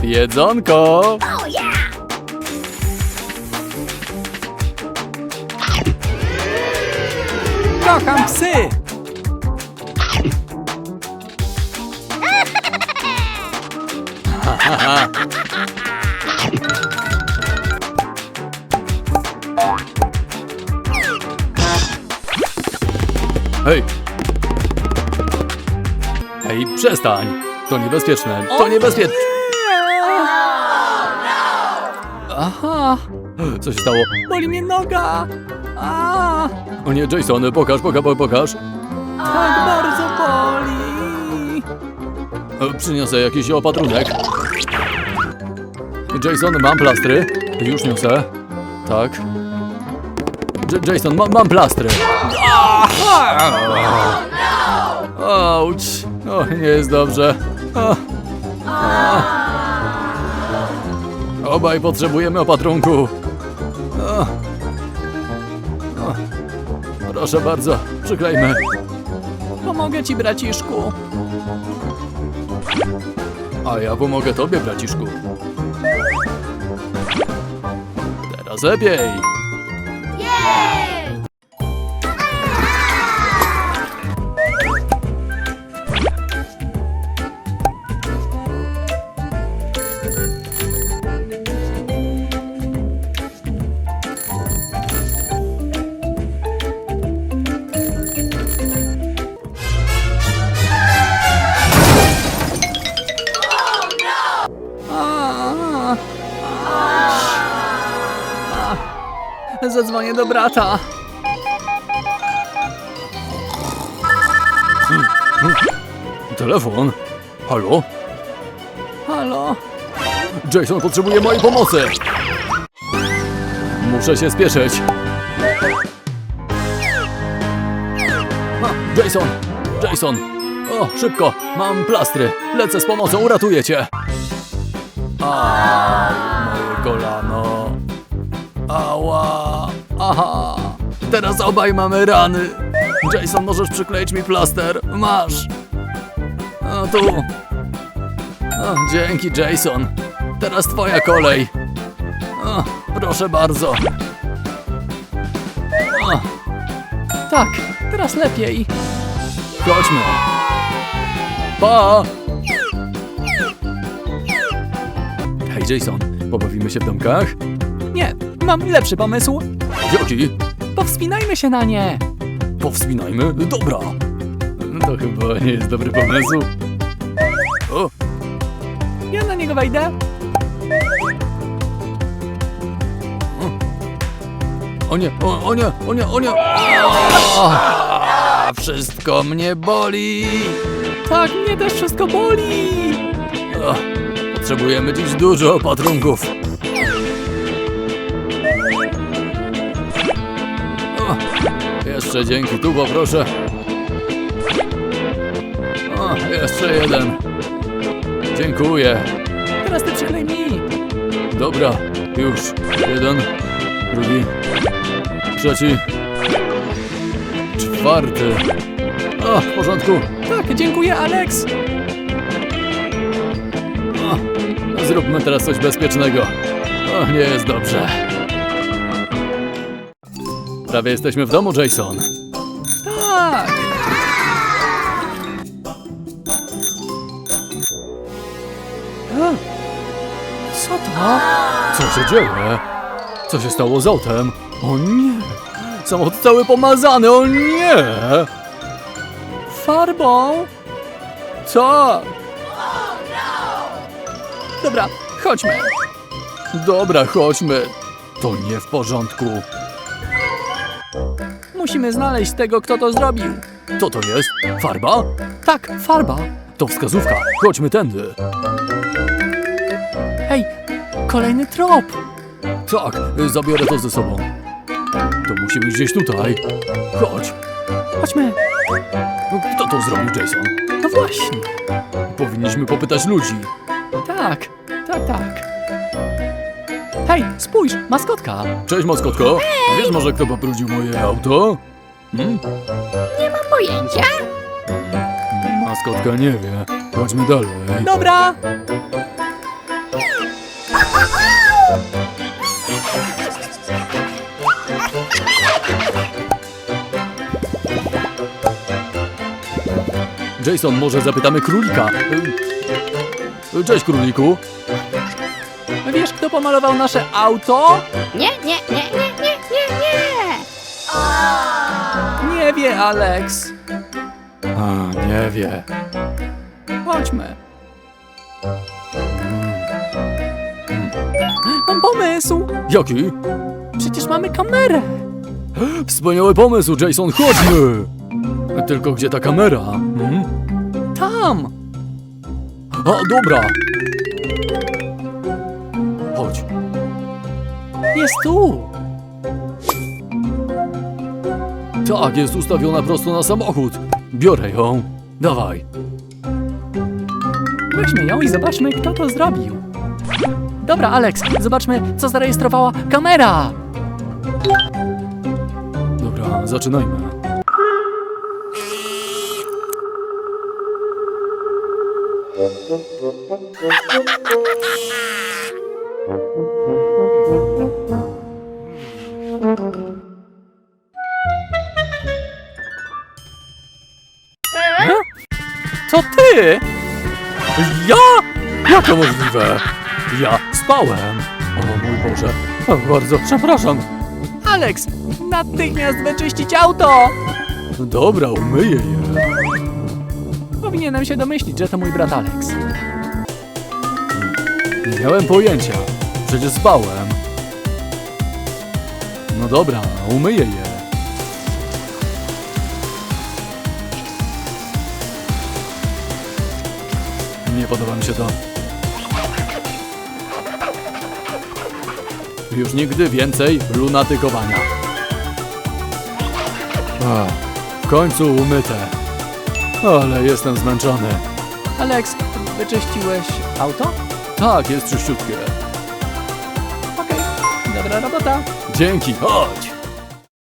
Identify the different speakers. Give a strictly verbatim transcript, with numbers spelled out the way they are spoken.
Speaker 1: Jedzonko!
Speaker 2: Oh yeah!
Speaker 1: Kocham psy! Hej! Hej, przestań! To niebezpieczne, to niebezpieczne! Aha! Co się stało? Boli mnie noga! A! O nie, Jason, pokaż, pokaż, pokaż! Tak bardzo boli! E, Przyniosę jakiś opatrunek. Jason, mam plastry. Już niosę. Tak. J Jason, ma mam plastry. Auć. O, nie jest dobrze. O. O. Obaj potrzebujemy opatrunku. O. O. Proszę bardzo, przyklejmy. Pomogę ci, braciszku. A ja pomogę tobie, braciszku. Teraz lepiej. Zadzwonię do brata. Telefon? Halo? Halo? Jason potrzebuje mojej pomocy. Muszę się spieszyć. A, Jason! Jason! O, szybko! Mam plastry. Lecę z pomocą, uratuję cię. A, moje kolano. Ała! Aha! Teraz obaj mamy rany. Jason, możesz przykleić mi plaster? Masz! A tu. O, dzięki, Jason. Teraz twoja kolej. O, proszę bardzo. O. Tak, teraz lepiej. Chodźmy. Pa! Hej, Jason, pobawimy się w domkach? Nie, mam lepszy pomysł. Jaki? Powspinajmy się na nie. Powspinajmy? Dobra. To chyba nie jest dobry pomysł. O! Ja na niego wejdę. O, o nie, o, o nie, o nie, o nie. A, wszystko mnie boli. Tak, mnie też wszystko boli. O, potrzebujemy dziś dużo opatrunków. O, jeszcze dzięki, tu poproszę. O, jeszcze jeden. Dziękuję. Teraz ty przyklej mi. Dobra, już. Jeden, drugi, trzeci, czwarty. O, w porządku. Tak, dziękuję, Alex. O, zróbmy teraz coś bezpiecznego. O, nie jest dobrze. Prawie jesteśmy w domu, Jason. Tak. A, co to? Co się dzieje? Co się stało z autem? O nie! Samochód cały pomazany, o nie! Farbą? Tak! Dobra, chodźmy. Dobra, chodźmy. To nie w porządku. Musimy znaleźć tego, kto to zrobił. Co to jest? Farba? Tak, farba. To wskazówka. Chodźmy tędy. Hej, kolejny trop. Tak, zabiorę to ze sobą. To musi być gdzieś tutaj. Chodź. Chodźmy. Kto to zrobił, Jason? No właśnie. Powinniśmy popytać ludzi. Tak, tak, tak. Hej, spójrz, maskotka. Cześć, maskotko. Hej. Wiesz może, kto pobrudził moje auto? Hmm?
Speaker 2: Nie mam pojęcia.
Speaker 1: Maskotka nie wie. Chodźmy dalej. Dobra. Jason, może zapytamy królika. Y, Cześć, króliku. Wiesz, kto pomalował nasze auto?
Speaker 2: Nie, nie, nie, nie, nie, nie, nie.
Speaker 1: Nie wie, Alex. A, nie wie. Chodźmy. Mam pomysł. Jaki? Przecież mamy kamerę. Wspaniały pomysł, Jason, chodźmy. Tylko gdzie ta kamera? Hmm? Tam. A, dobra. Chodź. Jest tu. Tak, jest ustawiona prosto na samochód. Biorę ją. Dawaj. Weźmy ją i zobaczmy, kto to zrobił. Dobra, Alex, zobaczmy, co zarejestrowała kamera. Dobra, zaczynajmy. E? To ty? Ja? Jak to możliwe? Ja spałem. O mój Boże. O, bardzo przepraszam. Alex, natychmiast wyczyścić auto! Dobra, umyję je. Powinienem się domyślić, że to mój brat Alex. Nie miałem pojęcia. Przecież spałem. No dobra, umyję je. Nie podoba mi się to. Już nigdy więcej lunatykowania. Ach, w końcu umyte. Ale jestem zmęczony. Alex, wyczyściłeś auto? Tak, jest czyściutkie. Okej, dobra robota. Dzięki, chodź.